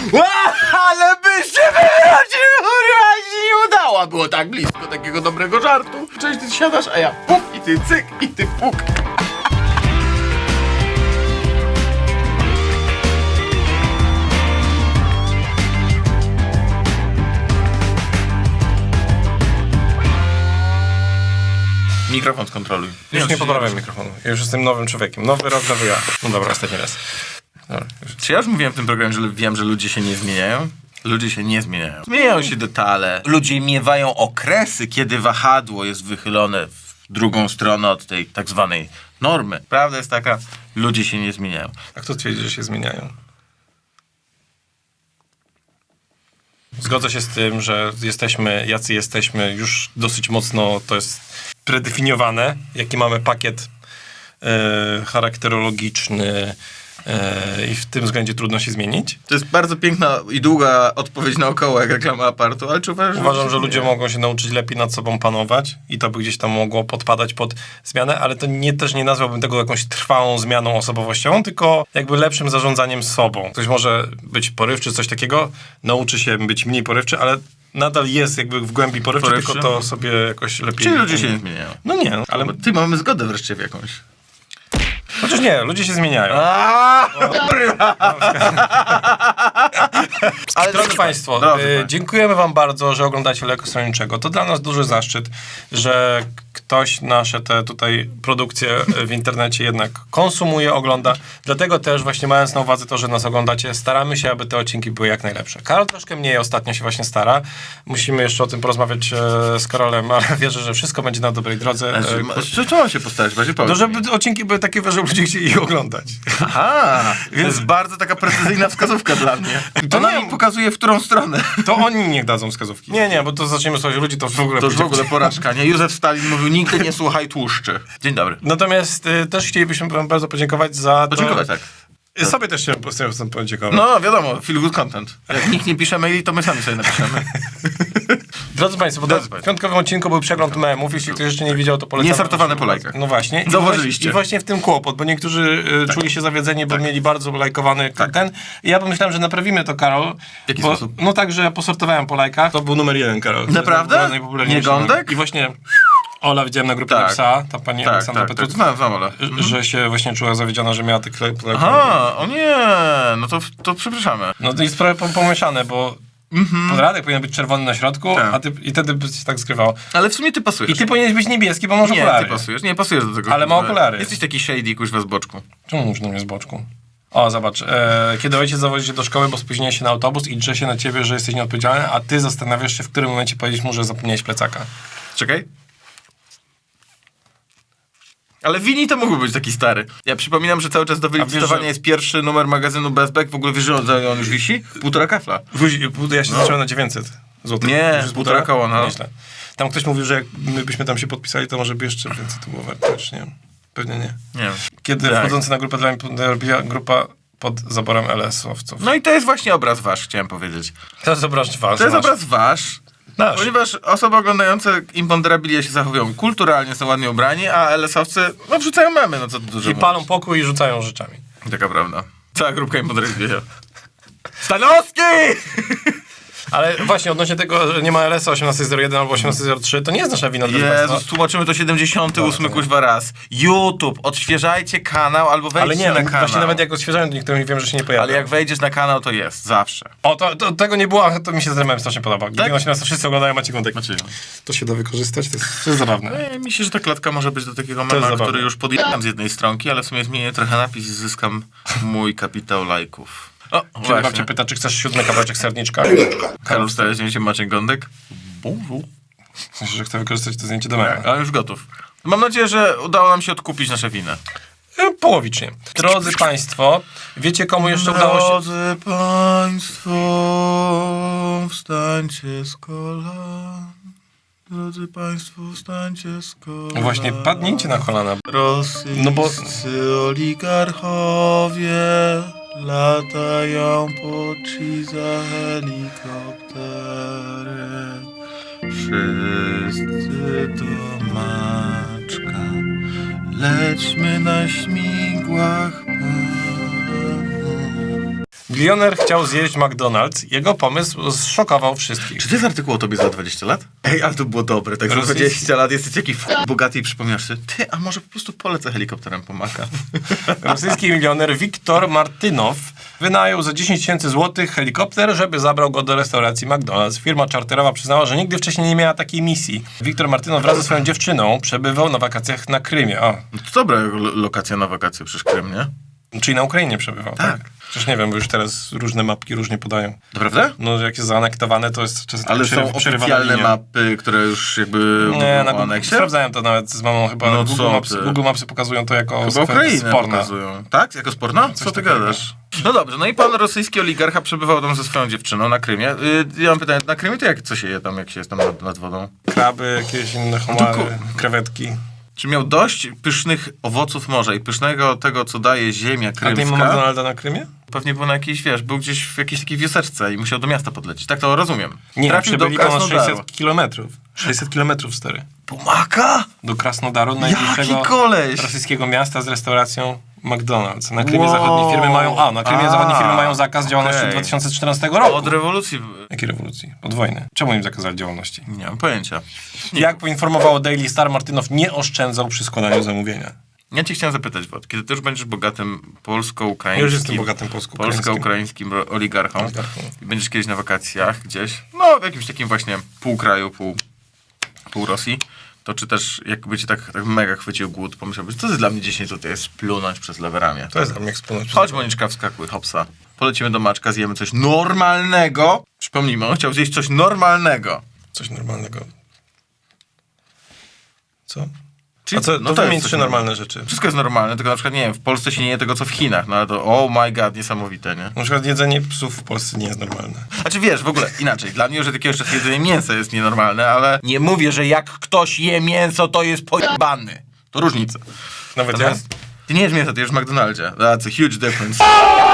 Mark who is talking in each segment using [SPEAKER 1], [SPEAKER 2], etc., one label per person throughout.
[SPEAKER 1] Ale by się wyrodził, kurwa, się nie udało. Było tak blisko takiego dobrego żartu. Cześć, ty siadasz, a ja puk i ty cyk i ty puk. Mikrofon skontroluj.
[SPEAKER 2] Już nie poprawiam mikrofonu. Ja już jestem nowym człowiekiem. Nowy rok, nowy ja. No dobra, ostatni raz. Dobra, już.
[SPEAKER 1] Czy ja już mówiłem w tym programie, że wiem, że ludzie się nie zmieniają? Ludzie się nie zmieniają. Zmieniają się detale. Ludzie miewają okresy, kiedy wahadło jest wychylone w drugą stronę od tej tak zwanej normy. Prawda jest taka, ludzie się nie zmieniają.
[SPEAKER 2] A kto twierdzi, że się zmieniają? Zgodzę się z tym, że jesteśmy, jacy jesteśmy, już dosyć mocno to jest predefiniowane, jaki mamy pakiet charakterologiczny i w tym względzie trudno się zmienić.
[SPEAKER 1] To jest bardzo piękna i długa odpowiedź naokoło, jak reklama apartu, ale czy uważasz,
[SPEAKER 2] Uważam, że ludzie mogą się nauczyć lepiej nad sobą panować i to by gdzieś tam mogło podpadać pod zmianę, ale to też nie nazwałbym tego jakąś trwałą zmianą osobowościową, tylko jakby lepszym zarządzaniem sobą. Ktoś może być porywczy, coś takiego, nauczy się być mniej porywczy, ale nadal jest jakby w głębi porywczy, tylko to sobie jakoś lepiej...
[SPEAKER 1] Czyli ludzie się nie zmieniają.
[SPEAKER 2] No nie, ale...
[SPEAKER 1] Ty, mamy zgodę wreszcie w jakąś.
[SPEAKER 2] Chociaż nie, ludzie się zmieniają.
[SPEAKER 1] Ale
[SPEAKER 2] Drodzy Państwo, dziękujemy Wam bardzo, że oglądacie Leko Stronniczego. To dla nas duży zaszczyt, że ktoś nasze te tutaj produkcje w internecie jednak konsumuje, ogląda. Dlatego też właśnie mając na uwadze to, że nas oglądacie, staramy się, aby te odcinki były jak najlepsze. Karol troszkę mniej ostatnio się właśnie stara. Musimy jeszcze o tym porozmawiać z Karolem, ale wierzę, że wszystko będzie na dobrej drodze.
[SPEAKER 1] Co mam się postarać?
[SPEAKER 2] No, żeby odcinki były takie, że ludzie chcieli je oglądać.
[SPEAKER 1] Aha, to jest bardzo taka precyzyjna wskazówka dla mnie.
[SPEAKER 2] To
[SPEAKER 1] Ona
[SPEAKER 2] nie-
[SPEAKER 1] mi pokazuje, w którą stronę.
[SPEAKER 2] To oni niech dadzą wskazówki. Nie, bo to zaczniemy słuchać ludzi, to w ogóle...
[SPEAKER 1] To już w
[SPEAKER 2] pójdzie-
[SPEAKER 1] ogóle porażka, nie? Józef Stalin mówił, nigdy nie słuchaj tłuszczy. Dzień dobry.
[SPEAKER 2] Natomiast też chcielibyśmy Wam bardzo podziękować za to...
[SPEAKER 1] Podziękować, tak.
[SPEAKER 2] Sobie też chciałem podziękować.
[SPEAKER 1] No, wiadomo, feel good content. Jak nikt nie pisze maili, to my sami sobie napiszemy.
[SPEAKER 2] Drodzy Państwo, bo w piątkowym odcinku był przegląd memów. Jeśli ktoś jeszcze nie widział, to polecam.
[SPEAKER 1] Niesortowane po lajkach.
[SPEAKER 2] No właśnie.
[SPEAKER 1] Zauważyliście.
[SPEAKER 2] I właśnie w tym kłopot, bo niektórzy czuli się zawiedzeni, bo mieli bardzo lajkowany ten. I ja pomyślałem, że naprawimy to, Karol.
[SPEAKER 1] W jaki sposób?
[SPEAKER 2] No tak, że ja posortowałem po lajkach. To był numer 1, Karol.
[SPEAKER 1] Naprawdę?
[SPEAKER 2] Najpopularniejszy
[SPEAKER 1] Nie Gądek?
[SPEAKER 2] I właśnie Ola widziałem na grupie
[SPEAKER 1] Tak.
[SPEAKER 2] napisała, ta pani Aleksandra Petruc,
[SPEAKER 1] Znam, ale.
[SPEAKER 2] że się właśnie czuła zawiedziona, że miała te lajki.
[SPEAKER 1] Aha, o nie, no to przepraszamy.
[SPEAKER 2] No to jest trochę pomieszane, bo podradek powinien być czerwony na środku,
[SPEAKER 1] Tak.
[SPEAKER 2] i wtedy by się tak skrywało.
[SPEAKER 1] Ale w sumie ty pasujesz.
[SPEAKER 2] I ty powinieneś być niebieski, bo masz
[SPEAKER 1] Nie,
[SPEAKER 2] okulary.
[SPEAKER 1] ty pasujesz. Nie, pasujesz do tego.
[SPEAKER 2] Ale ma okulary.
[SPEAKER 1] Jesteś taki shady, kuźwa, z boczku.
[SPEAKER 2] Czemu mówisz na mnie z boczku? O, zobacz. Kiedy ojciec zawozi cię do szkoły, bo spóźniłeś się na autobus i drze się na ciebie, że jesteś nieodpowiedzialny, a ty zastanawiasz się, w którym momencie powiedzieć mu, że zapomniałeś plecaka.
[SPEAKER 1] Czekaj. Ale Wini to mógłby być taki stary. Ja przypominam, że cały czas do wylicytowania
[SPEAKER 2] że-
[SPEAKER 1] jest pierwszy numer magazynu Bestback. W ogóle wiesz, że on już wisi? 1,5 kafla.
[SPEAKER 2] Ja się zacząłem na 900 zł.
[SPEAKER 1] Nie, 1,5 koła, no.
[SPEAKER 2] Nieźle. Tam ktoś mówił, że jak my byśmy tam się podpisali, to może by jeszcze więcej to było warte. Też nie wiem. Pewnie nie.
[SPEAKER 1] Nie.
[SPEAKER 2] Kiedy
[SPEAKER 1] Tak.
[SPEAKER 2] wchodzący na grupę dla mnie robiła grupa pod zaborem LS-owców.
[SPEAKER 1] No i to jest właśnie obraz wasz, chciałem powiedzieć.
[SPEAKER 2] To jest obraz wasz.
[SPEAKER 1] To jest obraz wasz.
[SPEAKER 2] Nasz.
[SPEAKER 1] Ponieważ osoby oglądające Imponderabilia się zachowują kulturalnie, są ładnie ubrani, a LS-owcy no, wrzucają memy, no co tu dużo
[SPEAKER 2] I palą pokój i rzucają rzeczami.
[SPEAKER 1] mówić. Taka prawda. Cała grupka Imponderabilia. Stanowski!
[SPEAKER 2] Ale właśnie odnośnie tego, że nie ma LS 1801 albo 1803, to nie jest nasza wina, drodzy
[SPEAKER 1] Jezus,
[SPEAKER 2] Państwo.
[SPEAKER 1] tłumaczymy to 78 kuźwa raz. YouTube, odświeżajcie kanał albo
[SPEAKER 2] Ale
[SPEAKER 1] wejdźcie
[SPEAKER 2] nie,
[SPEAKER 1] na
[SPEAKER 2] no,
[SPEAKER 1] kanał.
[SPEAKER 2] właśnie nawet jak odświeżają, to niektórym wiem, że się nie pojawia.
[SPEAKER 1] Ale jak wejdziesz na kanał, to jest, zawsze.
[SPEAKER 2] O, to tego nie było, a to mi się z remem strasznie podoba. Gdy
[SPEAKER 1] Tak?
[SPEAKER 2] 18 wszyscy oglądają Maciej Gądek.
[SPEAKER 1] Znaczy,
[SPEAKER 2] To się da wykorzystać, to jest zabawne.
[SPEAKER 1] mi się, że ta klatka może być do takiego
[SPEAKER 2] jest
[SPEAKER 1] mema,
[SPEAKER 2] zabawne.
[SPEAKER 1] który już podjechałem z jednej stronki, ale w sumie zmienię trochę napis i zyskam mój kapitał lajków. O,
[SPEAKER 2] Kiedy
[SPEAKER 1] właśnie.
[SPEAKER 2] babcia pyta, czy chcesz 7 kawałeczek serniczka?
[SPEAKER 1] Karol wstaje zdjęcie Maciek Gądek. Bonjour.
[SPEAKER 2] Myślę, że chcę wykorzystać to zdjęcie do mema.
[SPEAKER 1] Ale już gotów. Mam nadzieję, że udało nam się odkupić nasze winę.
[SPEAKER 2] Połowicznie. Drodzy Państwo, wiecie komu jeszcze udało się...
[SPEAKER 1] Drodzy Państwo, wstańcie z kolan. Drodzy Państwo, wstańcie z kolan.
[SPEAKER 2] Właśnie, padnijcie na kolana.
[SPEAKER 1] Rosyjscy
[SPEAKER 2] No bo-
[SPEAKER 1] oligarchowie latają po ci za helikopterem. Wszyscy do Maczka, lećmy na śmigłach.
[SPEAKER 2] Milioner chciał zjeść McDonald's. Jego pomysł zszokował wszystkich.
[SPEAKER 1] Czy to jest artykuł o tobie za 20 lat? Ej, ale to było dobre. Tak za
[SPEAKER 2] Rosyjski-
[SPEAKER 1] 20 lat jesteś taki bogaty i przypomniasz sobie, ty, a może po prostu polecę helikopterem po Maka?
[SPEAKER 2] Rosyjski milioner Wiktor Martynow wynajął za 10 tysięcy złotych helikopter, żeby zabrał go do restauracji McDonald's. Firma czarterowa przyznała, że nigdy wcześniej nie miała takiej misji. Wiktor Martynow wraz ze swoją dziewczyną przebywał na wakacjach na Krymie. O,
[SPEAKER 1] No to dobra lokacja na wakacje, przecież Krym, nie?
[SPEAKER 2] czyli na Ukrainie przebywał, tak?
[SPEAKER 1] Tak.
[SPEAKER 2] Przecież nie wiem, bo już teraz różne mapki różnie podają.
[SPEAKER 1] Naprawdę?
[SPEAKER 2] No, jak jest zaanektowane, to jest czasem
[SPEAKER 1] Ale są
[SPEAKER 2] przerywana
[SPEAKER 1] oficjalne
[SPEAKER 2] linia.
[SPEAKER 1] mapy, które już jakby
[SPEAKER 2] Nie,
[SPEAKER 1] mówią
[SPEAKER 2] na
[SPEAKER 1] o
[SPEAKER 2] Google,
[SPEAKER 1] aneksie?
[SPEAKER 2] sprawdzałem to nawet z mamą chyba.
[SPEAKER 1] No
[SPEAKER 2] Google,
[SPEAKER 1] co
[SPEAKER 2] Mapsy,
[SPEAKER 1] ty?
[SPEAKER 2] Google Mapsy pokazują to jako
[SPEAKER 1] Chyba Ukrainę
[SPEAKER 2] sporne.
[SPEAKER 1] pokazują. Tak? Jako sporna? Co ty
[SPEAKER 2] takiego.
[SPEAKER 1] gadasz? No dobrze, no i pan rosyjski oligarcha przebywał tam ze swoją dziewczyną na Krymie. Ja mam pytanie, na Krymie to co się je tam, jak się jest tam nad wodą?
[SPEAKER 2] Kraby, jakieś inne
[SPEAKER 1] ku-
[SPEAKER 2] homary, krewetki.
[SPEAKER 1] Czy miał dość pysznych owoców morza i pysznego tego, co daje ziemia
[SPEAKER 2] A ty ma
[SPEAKER 1] krymska?
[SPEAKER 2] McDonalda na Krymie?
[SPEAKER 1] Pewnie był na jakiejś, wiesz, był gdzieś w jakiejś takiej wioseczce i musiał do miasta podlecieć. Tak to rozumiem.
[SPEAKER 2] Nie,
[SPEAKER 1] Trafił do
[SPEAKER 2] przebyli ponad
[SPEAKER 1] Krasnodaru.
[SPEAKER 2] 600 kilometrów. 600 kilometrów, stary.
[SPEAKER 1] Pomaka?
[SPEAKER 2] Do Krasnodaru,
[SPEAKER 1] Jaki
[SPEAKER 2] najbliższego
[SPEAKER 1] koleś!
[SPEAKER 2] rosyjskiego miasta z restauracją McDonald's. Na Krymie
[SPEAKER 1] Wow.
[SPEAKER 2] zachodnie firmy mają... na Krymie
[SPEAKER 1] A,
[SPEAKER 2] zachodnie firmy mają zakaz działalności
[SPEAKER 1] okej.
[SPEAKER 2] od 2014 roku.
[SPEAKER 1] Od rewolucji.
[SPEAKER 2] Jakiej rewolucji? Od wojny. Czemu im zakazali działalności?
[SPEAKER 1] Nie mam pojęcia.
[SPEAKER 2] Jak poinformowało Daily Star, Martynow nie oszczędzał przy składaniu zamówienia.
[SPEAKER 1] Ja cię chciałem zapytać, Wod, kiedy ty już będziesz bogatym polsko-ukraińskim...
[SPEAKER 2] Ja już jestem bogatym polsko-ukraińskim.
[SPEAKER 1] polsko-ukraińskim oligarchą
[SPEAKER 2] Oligarchą.
[SPEAKER 1] i będziesz kiedyś na wakacjach gdzieś, no w jakimś takim właśnie pół kraju, pół Rosji, to czy też jakby cię tak mega chwycił głód, pomyślałbyś, to jest dla mnie 10 zł, jest splunąć przez lewe ramię.
[SPEAKER 2] To jest dla mnie eksponat.
[SPEAKER 1] Chodź, Moniczka, wskakuj, hopsa. Polecimy do Maczka, zjemy coś normalnego. Przypomnijmy, on chciał zjeść coś normalnego.
[SPEAKER 2] Coś normalnego. Co?
[SPEAKER 1] Czyli,
[SPEAKER 2] A co,
[SPEAKER 1] no
[SPEAKER 2] to
[SPEAKER 1] to jest
[SPEAKER 2] wymień
[SPEAKER 1] coś
[SPEAKER 2] trzy normalne rzeczy.
[SPEAKER 1] Wszystko jest normalne, tylko na przykład, nie wiem, w Polsce się nie je tego, co w Chinach, no ale to, oh my god, niesamowite, nie?
[SPEAKER 2] Na przykład jedzenie psów w Polsce nie jest normalne.
[SPEAKER 1] Znaczy wiesz, w ogóle inaczej, dla mnie już od jakiegoś czasu jedzenie mięsa jest nienormalne, ale nie mówię, że jak ktoś je mięso, to jest pojebany. To różnica.
[SPEAKER 2] Nawet ja?
[SPEAKER 1] Natomiast ty nie jesz mięsa, ty jesz w McDonaldzie. That's a huge difference.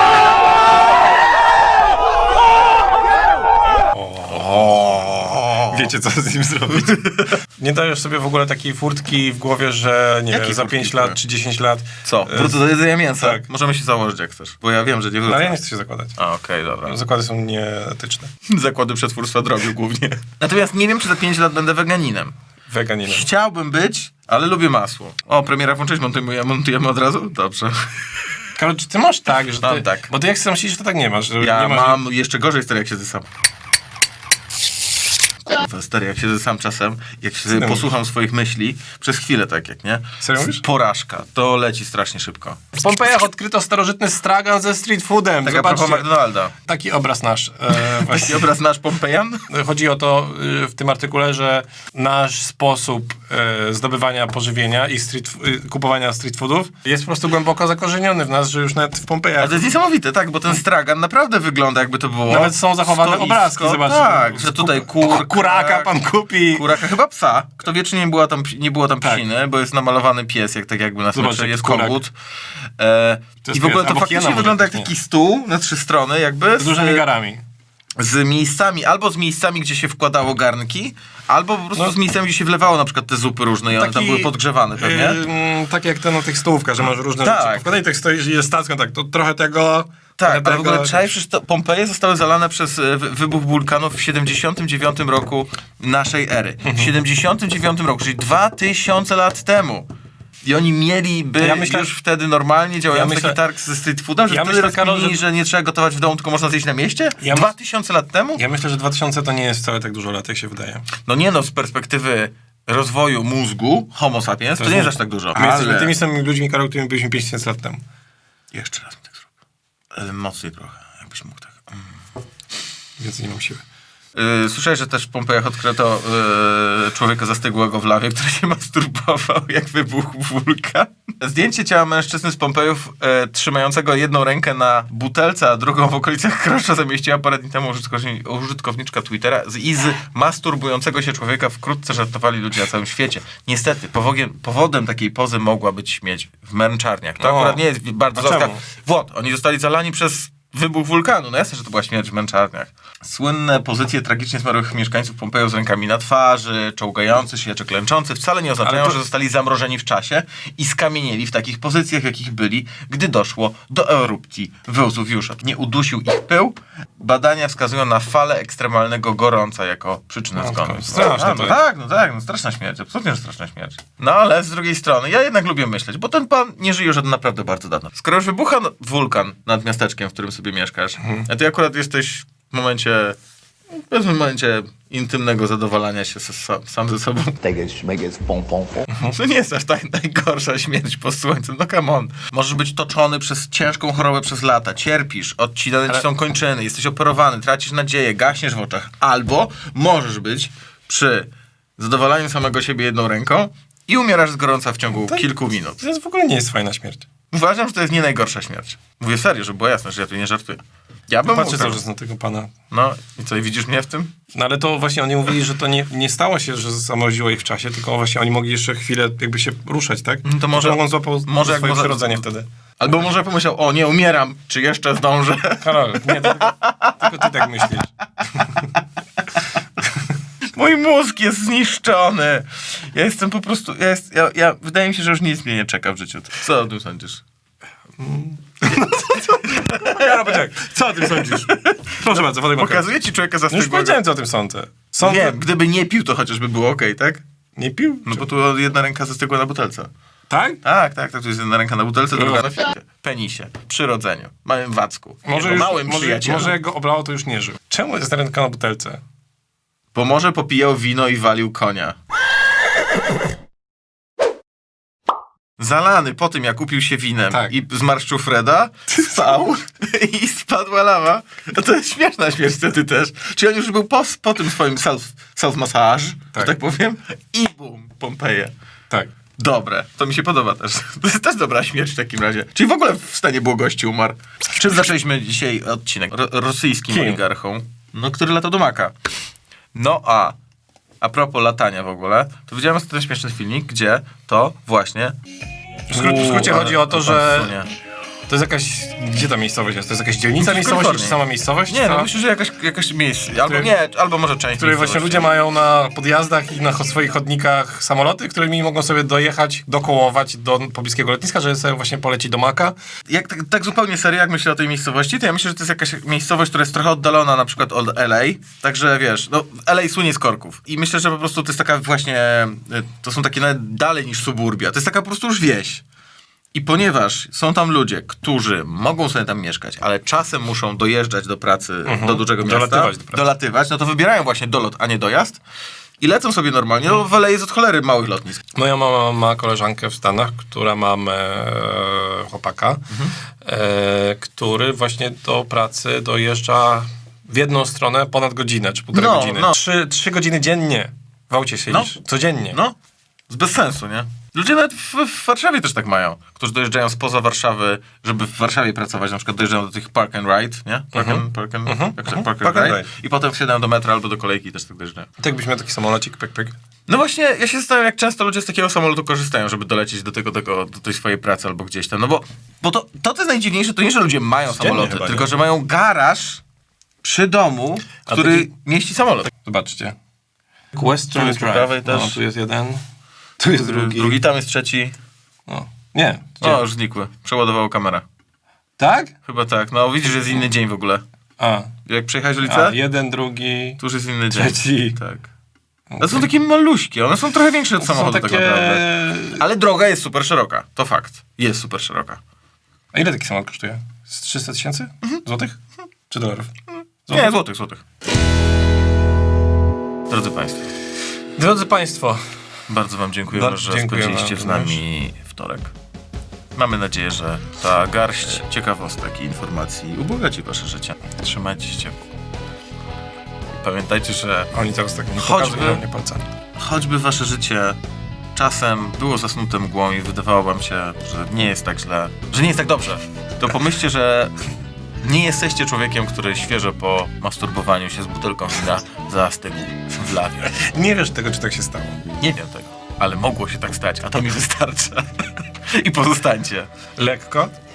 [SPEAKER 2] Wiecie, co z nim zrobić. Nie dajesz sobie w ogóle takiej furtki w głowie, że nie
[SPEAKER 1] Jakiej
[SPEAKER 2] wiem, za
[SPEAKER 1] furtki
[SPEAKER 2] 5
[SPEAKER 1] w głowie?
[SPEAKER 2] lat czy 10 lat...
[SPEAKER 1] Co? Wrócę do jedzenia mięsa?
[SPEAKER 2] tak.
[SPEAKER 1] Możemy się założyć, jak chcesz, bo ja wiem, że nie
[SPEAKER 2] No,
[SPEAKER 1] wrócę.
[SPEAKER 2] ale ja nie chcę się zakładać.
[SPEAKER 1] A, okej, dobra.
[SPEAKER 2] Zakłady są nieetyczne.
[SPEAKER 1] Zakłady przetwórstwa drobiu głównie. Natomiast nie wiem, czy za 5 lat będę weganinem.
[SPEAKER 2] Weganinem.
[SPEAKER 1] Chciałbym być, ale lubię masło. O, premiera włączyć, montujemy od razu? Dobrze.
[SPEAKER 2] Karol, czy ty masz tak, że
[SPEAKER 1] Mam
[SPEAKER 2] ty...
[SPEAKER 1] tak.
[SPEAKER 2] Bo ty jak sam myślisz, że to tak nie masz. Że
[SPEAKER 1] Ja
[SPEAKER 2] nie masz,
[SPEAKER 1] mam jeszcze gorzej, stary, jak siedzę sam. Kurwa, stary, jak siedzę sam czasem, jak się
[SPEAKER 2] ty
[SPEAKER 1] posłucham swoich myśli, przez chwilę tak jak, nie?
[SPEAKER 2] Serio mówisz?
[SPEAKER 1] Porażka. To leci strasznie szybko.
[SPEAKER 2] W Pompejach odkryto starożytny stragan ze street foodem.
[SPEAKER 1] Tak a propos
[SPEAKER 2] Zobaczcie.
[SPEAKER 1] McDonalda.
[SPEAKER 2] Taki obraz nasz.
[SPEAKER 1] Taki
[SPEAKER 2] Właśnie.
[SPEAKER 1] obraz nasz Pompejan?
[SPEAKER 2] Chodzi o to w tym artykule, że nasz sposób zdobywania pożywienia i kupowania street foodów jest po prostu głęboko zakorzeniony w nas, że już nawet w
[SPEAKER 1] Ale
[SPEAKER 2] Pompejach
[SPEAKER 1] to jest niesamowite, tak, bo ten stragan naprawdę wygląda jakby to było...
[SPEAKER 2] nawet są zachowane
[SPEAKER 1] stoisko.
[SPEAKER 2] obrazki, zobaczcie.
[SPEAKER 1] Tak, że tutaj
[SPEAKER 2] Kuraka pan kupi.
[SPEAKER 1] Kuraka, chyba psa. Kto wie, czy nie było tam
[SPEAKER 2] Tak.
[SPEAKER 1] psiny, bo jest namalowany pies, jak tak jakby na
[SPEAKER 2] Zobacz,
[SPEAKER 1] smecze,
[SPEAKER 2] jaki
[SPEAKER 1] jest
[SPEAKER 2] kurak.
[SPEAKER 1] kogut.
[SPEAKER 2] To jest
[SPEAKER 1] I w ogóle
[SPEAKER 2] pies,
[SPEAKER 1] to
[SPEAKER 2] albo
[SPEAKER 1] faktycznie
[SPEAKER 2] hiena
[SPEAKER 1] wygląda
[SPEAKER 2] może
[SPEAKER 1] jak
[SPEAKER 2] być,
[SPEAKER 1] taki stół na 3 strony, jakby
[SPEAKER 2] Z dużymi garami.
[SPEAKER 1] z miejscami, albo z miejscami, gdzie się wkładało garnki, albo po prostu
[SPEAKER 2] No.
[SPEAKER 1] z miejscami, gdzie się wlewało na przykład te zupy różne i one tam były podgrzewane pewnie.
[SPEAKER 2] Tak jak te na tych stołówkach, że masz różne
[SPEAKER 1] Tak.
[SPEAKER 2] rzeczy. Wkładaj tak stoisz i jest stacją, tak, to trochę tego...
[SPEAKER 1] Tak,
[SPEAKER 2] trochę
[SPEAKER 1] ale w ogóle
[SPEAKER 2] tego.
[SPEAKER 1] czaisz, przecież Pompeje zostały zalane przez wybuch wulkanów w 79 roku naszej ery. W 79 roku, czyli 2000 lat temu. I oni mieliby
[SPEAKER 2] Ja myślę-
[SPEAKER 1] już wtedy normalnie działający
[SPEAKER 2] myślę-
[SPEAKER 1] taki targ ze street foodem, że
[SPEAKER 2] ja
[SPEAKER 1] wtedy
[SPEAKER 2] myślę, Karol,
[SPEAKER 1] rozkminili, że nie trzeba gotować w domu, tylko można zjeść na mieście?
[SPEAKER 2] Ja
[SPEAKER 1] 2000 lat temu?
[SPEAKER 2] Ja myślę, że 2000 to nie jest wcale tak dużo lat, jak się wydaje.
[SPEAKER 1] No nie no, z perspektywy rozwoju mózgu homo sapiens, to nie jest aż tak dużo.
[SPEAKER 2] My jesteśmy
[SPEAKER 1] Ale
[SPEAKER 2] tymi samymi ludźmi, Karol, którymi byliśmy 5000 lat temu.
[SPEAKER 1] jeszcze raz mi tak zrób. Ale mocniej trochę, jakbyś mógł tak.
[SPEAKER 2] Więc nie mam siły.
[SPEAKER 1] Słyszałeś, że też w Pompejach odkryto człowieka zastygłego w lawie, który się masturbował, jak wybuchł wulkan. Zdjęcie ciała mężczyzny z Pompejów trzymającego jedną rękę na butelce, a drugą w okolicach krosza zamieściła parę dni temu użytkowniczka Twittera i z masturbującego się człowieka wkrótce żartowali ludzie na całym świecie. Niestety, powodem takiej pozy mogła być śmieć w męczarniach. To
[SPEAKER 2] O.
[SPEAKER 1] akurat nie jest bardzo
[SPEAKER 2] A czemu?
[SPEAKER 1] Włod, oni zostali zalani przez wybuch wulkanu. No jasne, że to była śmierć w męczarniach. Słynne pozycje tragicznie zmarłych mieszkańców Pompeju z rękami na twarzy, czołgający się czy klęczący wcale nie oznaczają, że zostali zamrożeni w czasie i skamienieli w takich pozycjach, jakich byli, gdy doszło do erupcji Wezuwiusza. Nie udusił ich pył. Badania wskazują na falę ekstremalnego gorąca jako przyczynę zgonu.
[SPEAKER 2] Straszne to jest.
[SPEAKER 1] No straszna śmierć, absolutnie że straszna śmierć. No ale z drugiej strony, ja jednak lubię myśleć, bo ten pan nie żyje już od naprawdę bardzo dawno. Skoro już wybucha wulkan nad miasteczkiem, w którym sobie mieszkasz, a ty akurat jesteś w momencie intymnego zadowalania się sam ze sobą. To nie jest aż tak najgorsza śmierć pod słońcem, no come on. Możesz być toczony przez ciężką chorobę przez lata, cierpisz, odcinane ci są kończyny, jesteś operowany, tracisz nadzieję, gaśniesz w oczach. Albo możesz być przy zadowalaniu samego siebie jedną ręką i umierasz z gorąca w ciągu kilku minut.
[SPEAKER 2] To jest w ogóle nie jest fajna śmierć.
[SPEAKER 1] Uważam, że to jest nie najgorsza śmierć. Mówię serio, żeby było jasne, że ja tu nie żartuję. Ja bym
[SPEAKER 2] Patrzę
[SPEAKER 1] mógł
[SPEAKER 2] cały czas na tego pana.
[SPEAKER 1] No i co, i widzisz mnie w tym?
[SPEAKER 2] No ale to właśnie oni mówili, że to nie stało się, że zamroziło ich w czasie, tylko właśnie oni mogli jeszcze chwilę jakby się ruszać, tak?
[SPEAKER 1] To może
[SPEAKER 2] on złapał
[SPEAKER 1] może jak
[SPEAKER 2] swoje
[SPEAKER 1] może-
[SPEAKER 2] przyrodzenie wtedy.
[SPEAKER 1] Albo może pomyślał, o nie, umieram, czy jeszcze zdążę?
[SPEAKER 2] Karol, nie, tylko ty tak myślisz.
[SPEAKER 1] Mój mózg jest zniszczony. Ja jestem po prostu, wydaje mi się, że już nic mnie nie czeka w życiu. Co o tym sądzisz?
[SPEAKER 2] Karol, poczekaj, co o tym sądzisz? Proszę bardzo, Wodek Mokry.
[SPEAKER 1] Pokazuję ci człowieka
[SPEAKER 2] No już
[SPEAKER 1] zastygłego.
[SPEAKER 2] powiedziałem, co o tym sądzę. Sądzę...
[SPEAKER 1] Wiem, gdyby nie pił, to chociażby było okej, tak?
[SPEAKER 2] Nie pił?
[SPEAKER 1] No bo tu jedna ręka zastygła na butelce.
[SPEAKER 2] Tak?
[SPEAKER 1] Tak, tu jest jedna ręka na butelce, druga na ficie. Penisie, przyrodzeniu, małym wacku,
[SPEAKER 2] Może,
[SPEAKER 1] jego małym przyjacielu.
[SPEAKER 2] może jak go oblało, to już nie żył. Czemu jest ręka na butelce?
[SPEAKER 1] Bo może popijał wino i walił konia. Zalany po tym, jak upił się winem
[SPEAKER 2] Tak.
[SPEAKER 1] i zmarszczył Freda, spał i spadła lawa. No to jest śmieszna śmierć wtedy też. Czyli on już był po tym swoim self-massage,
[SPEAKER 2] Tak.
[SPEAKER 1] że tak powiem, i bum, Pompeje.
[SPEAKER 2] Tak.
[SPEAKER 1] Dobre, to mi się podoba też. To jest też dobra śmierć w takim razie. Czyli w ogóle w stanie błogości umarł. Czym zaczęliśmy dzisiaj odcinek? Rosyjskim
[SPEAKER 2] Kim?
[SPEAKER 1] oligarchą, no, który latał do Maka. No a propos latania w ogóle, to widziałem ostatnio śmieszny filmik, gdzie to właśnie...
[SPEAKER 2] W skrócie chodzi o to,
[SPEAKER 1] ale
[SPEAKER 2] że
[SPEAKER 1] pan wsunie.
[SPEAKER 2] to jest jakaś... Gdzie ta miejscowość jest? To jest jakaś dzielnica
[SPEAKER 1] W
[SPEAKER 2] miejscowości,
[SPEAKER 1] Kalifornii.
[SPEAKER 2] czy sama miejscowość?
[SPEAKER 1] Nie, no
[SPEAKER 2] Ta,
[SPEAKER 1] myślę, że jakaś miejsce. Albo nie, albo może część
[SPEAKER 2] w której właśnie
[SPEAKER 1] miejscowości.
[SPEAKER 2] ludzie mają na podjazdach i na swoich chodnikach samoloty, którymi mogą sobie dojechać, dokołować do pobliskiego lotniska, żeby sobie właśnie polecić do Maka.
[SPEAKER 1] Jak tak zupełnie serio, jak myślę o tej miejscowości, to ja myślę, że to jest jakaś miejscowość, która jest trochę oddalona na przykład od LA. Także wiesz, no LA słynie z korków. I myślę, że po prostu to jest taka właśnie, to są takie nawet dalej niż suburbia. To jest taka po prostu już wieś. I ponieważ są tam ludzie, którzy mogą sobie tam mieszkać, ale czasem muszą dojeżdżać do pracy, do dużego miasta,
[SPEAKER 2] Dolatywać do pracy.
[SPEAKER 1] dolatywać, no to wybierają właśnie dolot, a nie dojazd. I lecą sobie normalnie, no w LA jest od cholery małych lotnisk.
[SPEAKER 2] Moja mama ma koleżankę w Stanach, która ma chłopaka, który właśnie do pracy dojeżdża w jedną stronę ponad godzinę, czy półtorej
[SPEAKER 1] No,
[SPEAKER 2] godziny.
[SPEAKER 1] no.
[SPEAKER 2] 3 godziny dziennie w aucie siedzisz. Codziennie.
[SPEAKER 1] No, bez sensu, nie? Ludzie nawet w Warszawie też tak mają, którzy dojeżdżają spoza Warszawy, żeby w Warszawie pracować, na przykład dojeżdżają do tych park and ride, nie? Park and ride. I potem wsiadają do metra albo do kolejki i też tak dojeżdżają.
[SPEAKER 2] I tak byś miał taki samolocik, pyk, pyk.
[SPEAKER 1] No właśnie, ja się zastanawiam, jak często ludzie z takiego samolotu korzystają, żeby dolecieć do tej swojej pracy albo gdzieś tam. No bo to jest najdziwniejsze, to nie, że ludzie mają samoloty,
[SPEAKER 2] chyba, nie?
[SPEAKER 1] tylko że mają garaż przy domu, który
[SPEAKER 2] taki-
[SPEAKER 1] mieści samolot.
[SPEAKER 2] Zobaczcie. Western
[SPEAKER 1] Tu jest po
[SPEAKER 2] Drive.
[SPEAKER 1] prawej też.
[SPEAKER 2] No, tu jest jeden. Tu jest drugi.
[SPEAKER 1] Tam jest trzeci.
[SPEAKER 2] No. Nie. Gdzie?
[SPEAKER 1] O, już znikły. Przeładowało kamera.
[SPEAKER 2] Tak?
[SPEAKER 1] Chyba tak. No widzisz, że jest inny dzień w ogóle.
[SPEAKER 2] A.
[SPEAKER 1] Jak przejechałeś ulicę,
[SPEAKER 2] Jeden, drugi.
[SPEAKER 1] tu już jest inny dzień.
[SPEAKER 2] Trzeci.
[SPEAKER 1] Tak. A są takie maluśkie, one są trochę większe od
[SPEAKER 2] To są
[SPEAKER 1] samochodu tak
[SPEAKER 2] takie...
[SPEAKER 1] naprawdę. Ale droga jest super szeroka, to fakt. Jest super szeroka.
[SPEAKER 2] A ile taki samolot kosztuje? Z 300 000 złotych? Czy dolarów?
[SPEAKER 1] Nie, złotych. Drodzy Państwo,
[SPEAKER 2] Drodzy Państwo,
[SPEAKER 1] bardzo Wam dziękujemy, że
[SPEAKER 2] dziękujemy
[SPEAKER 1] spędziliście z nami wtorek. Mamy nadzieję, że ta garść ciekawostek i informacji ubogaci Wasze życie. Trzymajcie się ciepło. I pamiętajcie, że
[SPEAKER 2] oni teraz tak nie
[SPEAKER 1] Choćby-
[SPEAKER 2] pokazują mnie palcami.
[SPEAKER 1] choćby Wasze życie czasem było zasnute mgłą i wydawało Wam się, że nie jest tak źle, że nie jest tak dobrze, to pomyślcie, że nie jesteście człowiekiem, który świeżo po masturbowaniu się z butelką wina zastygł w lawie.
[SPEAKER 2] Nie wiesz tego, czy tak się stało.
[SPEAKER 1] Nie wiem tego, ale mogło się tak stać, a to mi wystarcza. I pozostańcie.
[SPEAKER 2] Lekko,